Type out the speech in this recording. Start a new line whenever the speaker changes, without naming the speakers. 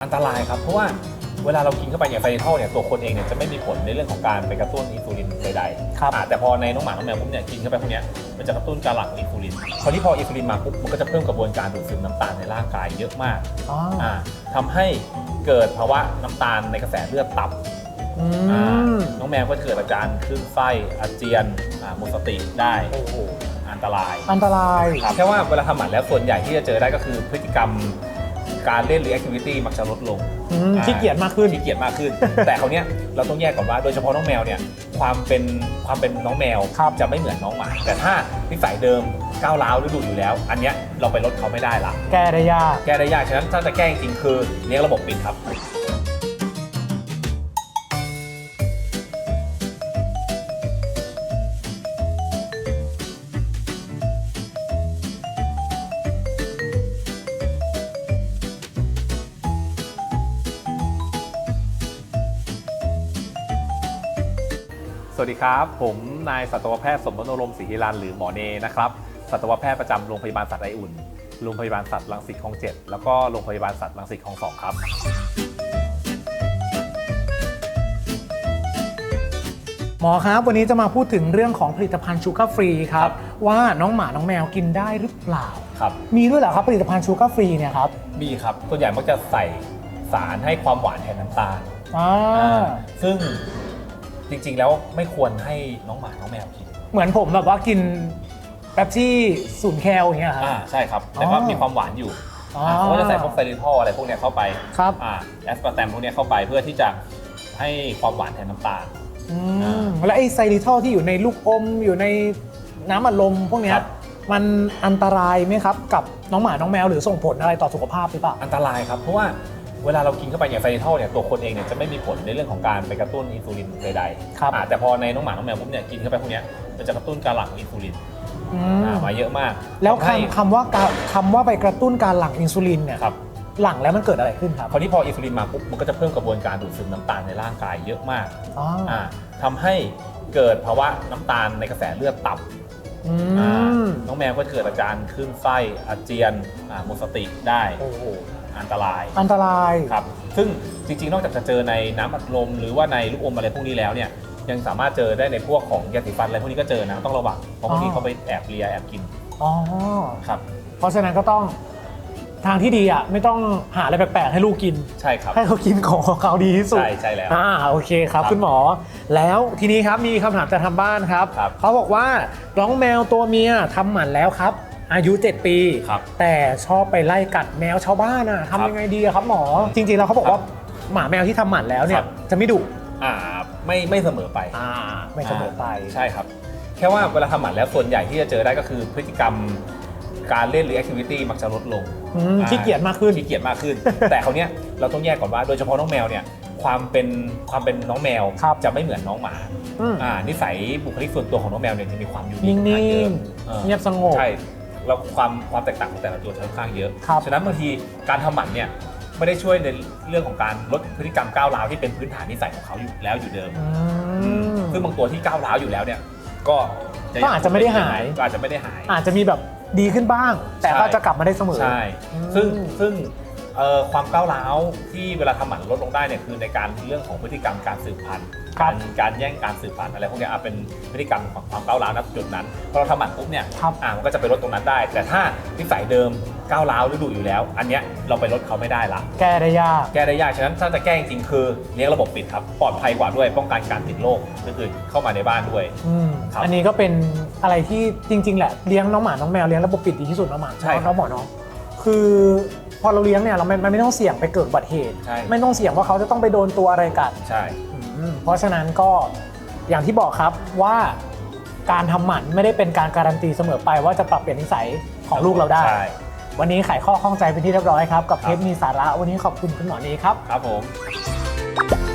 นตรายครับเพราะว่าเวลาเรากินเข้าไปเนี่ยไซริทอลเนี่ยตัวคนเองเนี่ยจะไม่มีผลในเรื่องของการไปกระตุ้นอินซูลินใดๆแต่พอในน้องหมาน้องแมวปุ๊บเนี่ยกินเข้าไปพวกนี้มันจะกระตุ้นการหลั่งอินซูลินพออินซูลินมาปุ๊บมันก็จะเพิ่มกระบวนการดูดซึมน้ำตาลในร่างกายเยอะมากทำให้เกิดภาวะน้ำตาลในกระแสเลือดต่ำน้องแมวก็เกิดอาการคลื่นไส้อาเจียนหมดสติได้อันตรายแค่ว่าเวลาทำหมันแล้วส่วนใหญ่ที่จะเจอได้ก็คือพฤติกรรมการเล่นหรือแอคทิวิตี้มักจะลดลง
ขี้เกียจมากขึ้น
แต่คราวนี้เราต้องแยกก่อนว่าโดยเฉพาะน้องแมวเนี่ยความเป็นน้องแมวจะไม่เหมือนน้องหมาแต่ถ้านิสัยเดิมก้าวร้าวหรือดุอยู่แล้วอันเนี้ยเราไปลดเขาไม่ได้ละ
แก้ได้ยาก
ฉะนั้นถ้าจะแก้จริงคือเลี้ยงระบบปิดครับสวัสดีครับผมนายสัตวแพทย์สมบัติรมศรีฮิรันหรือหมอเนนะครับสัตวแพทย์ประจำโรงพยาบาลสัตว์ไออุ่นโรงพยาบาลสัตว์รังสิตคลอง 7แล้วก็โรงพยาบาลสัตว์รังสิตคลอง 2ครับ
หมอครับวันนี้จะมาพูดถึงเรื่องของผลิตภัณฑ์ชูการ์ฟรีครับว่าน้องหมาน้องแมวกินได้หรือเปล่า
ครับ
มีด้วยเหรอครับผลิตภัณฑ์ชูการ์ฟรีเนี่ยครับ
มีครับส่วนใหญ่มักจะใส่สารให้ความหวานแทนน้ำตาลซึ่งจริงๆแล้วไม่ควรให้น้องหมาน้องแมวกิน
เหมือนผมแบบว่ากินแป๊บซี่0 แคลอย่างเงี้ยครับ
ใช่ครับแต่ก็มีความหวานอยู่เขาก็จะใส่พวกไซริทอลอะไรพวกนี้เข้าไป
ครับ
แอสปาร์แตมพวกนี้เข้าไปเพื่อที่จะให้ความหวานแทนน้ำตาล
แล้วไอ้ไซริทอลที่อยู่ในลูกอมอยู่ในน้ำอัดลมพวกนี้มันอันตรายไหมครับกับน้องหมาน้องแมวหรือส่งผลอะไรต่อสุขภาพหรือเปล่า
อันตรายครับเพราะว่าเวลาเรากินเข้าไปเนี่ยไซริทอลเนี่ยตัวคนเองเนี่ยจะไม่มีผลในเรื่องของการไปกระตุ้นอินซูลินใดๆแต่พอในน้องหมาน้องแมวปุ๊บเนี่ยกินเข้าไปพวกนี้มันจะกระตุ้นการหลั่งอินซูลินมาเยอะมาก
แล้วคำว่าไปกระตุ้นการหลั่งอินซูลินเนี่ยหลั่งแล้วมันเกิดอะไรขึ้นครับ
คราวนี้พออินซูลินมาปุ๊บมันก็จะเพิ่มกระบวนการดูดซึมน้ำตาลในร่างกายเยอะมากทำให้เกิดภาวะน้ำตาลในกระแสเลือดต่ำน้องแมวก็เกิดอาการคลื่นไส้อาเจียนหมดสติได้อันตรายครับซึ่งจริงๆนอกจากจะเจอในน้ำอัดลมหรือว่าในลูกอมอะไรพวกนี้แล้วเนี่ยยังสามารถเจอได้ในพวกของยาสีฟันอะไรพวกนี้ก็เจอนะต้องระวังเพราะบางทีเขาไปแอบเลียแอบกินครับ
เพราะฉะนั้นก็ต้องทางที่ดีอ่ะไม่ต้องหาอะไรแปลกๆให้ลูกกิน
ใช่ครับ
ให้เขากินของเขาดีที่สุด
ใช่แล้ว
โอเคครับคุณหมอแล้วทีนี้ครับมีคำถามจากทางบ้านครับเขาบอกว่าน้องแมวตัวเมียทำหมันแล้วครับอายุ7 ปีแต่ชอบไปไล่กัดแมวชาวบ้านทำยังไงดีครับหมอจริงๆแล้วเขาบอกว่าหมาแมวที่ทำหมันแล้วเนี่ยจะไม่ดุ
ไม่เสมอไป
ไม่เสมอไป
ใช่ครับแค่ว่าเวลาทำหมันแล้วส่วนใหญ่ที่จะเจอได้ก็คือพฤติกรรมการเล่นหรือแอคทิวิตี้มักจะลดลง
ขี้เกียจมากขึ้น
แต่คราวนี้เราต้องแยกก่อนว่าโดยเฉพาะน้องแมวเนี่ยความเป็นน้องแมวจะไม่เหมือนน้องหมานิสัยบุคลิกส่วนตัวของน้องแมวเนี่ยจะมีความอยู่นิ่ง
เงียบสงบ
ใช่แล้วความแตกต่างของแต่ละตัวจะค่อนข้างเยอะฉะนั้นบางทีการทำหมันเนี่ยไม่ได้ช่วยในเรื่องของการลดพฤติกรรมก้าวร้าวที่เป็นพื้นฐานนิสัยของเขาอยู่แล้วอยู่เดิมซึ่งบางตัวที่ก้าวร้าวอยู่แล้วเนี่ยก็
อาจจะไม่ได้หาย
อาจจะ
มีแบบดีขึ้นบ้างแต่ก็จะกลับมาได้เสมอ
ใช่ซึ่งความก้าวร้าวที่เวลาทำหมันลดลงได้เนี่ยคือในการเรื่องของพฤติกรรมการสืบพันธุ์การแย่งการสืบพันธุ์อะไรพวกนี้เป็นพฤติกรรมของความก้าวร้าวณจุดนั้นพอเราทำหมันปุ๊บเนี่ยมันก็จะไปลดตรงนั้นได้แต่ถ้านิสัยเดิมก้าวร้าวหรือดุอยู่แล้วอันเนี้ยเราไปลดเขาไม่ได้ละ
แก้ได้ย
ากฉะนั้นถ้าจะแก้จริงๆคือเลี้ยงระบบปิดครับปลอดภัยกว่าด้วยป้องกันการติดโรคอื่นๆเข้ามาในบ้านด้วย
อันนี้ก็เป็นอะไรที่จริงๆแหละเลี้ยงน้องหมาน้องแมวเลี้ยงระบบปิดดีที่สุดน้องหมาน้องหมอเนาะคือพอเราเลี้ยงเนี่ยเราไม่ต้องเสี่ยงไปเกิดอุบัติเหตุไม่ต้องเสี่ยงว่าเขาจะต้องไปโดนตัวอะไรกัด
ใช่
เพราะฉะนั้นก็อย่างที่บอกครับว่าการทำหมันไม่ได้เป็นการการันตีเสมอไปว่าจะปรับเปลี่ยนนิสัยของลูกเราได้วันนี้ไขข้อข้องใจเป็นที่เรียบร้อยครับกับเทปมีสาระวันนี้ขอบคุณคุณหมอเนครับ
ครับผม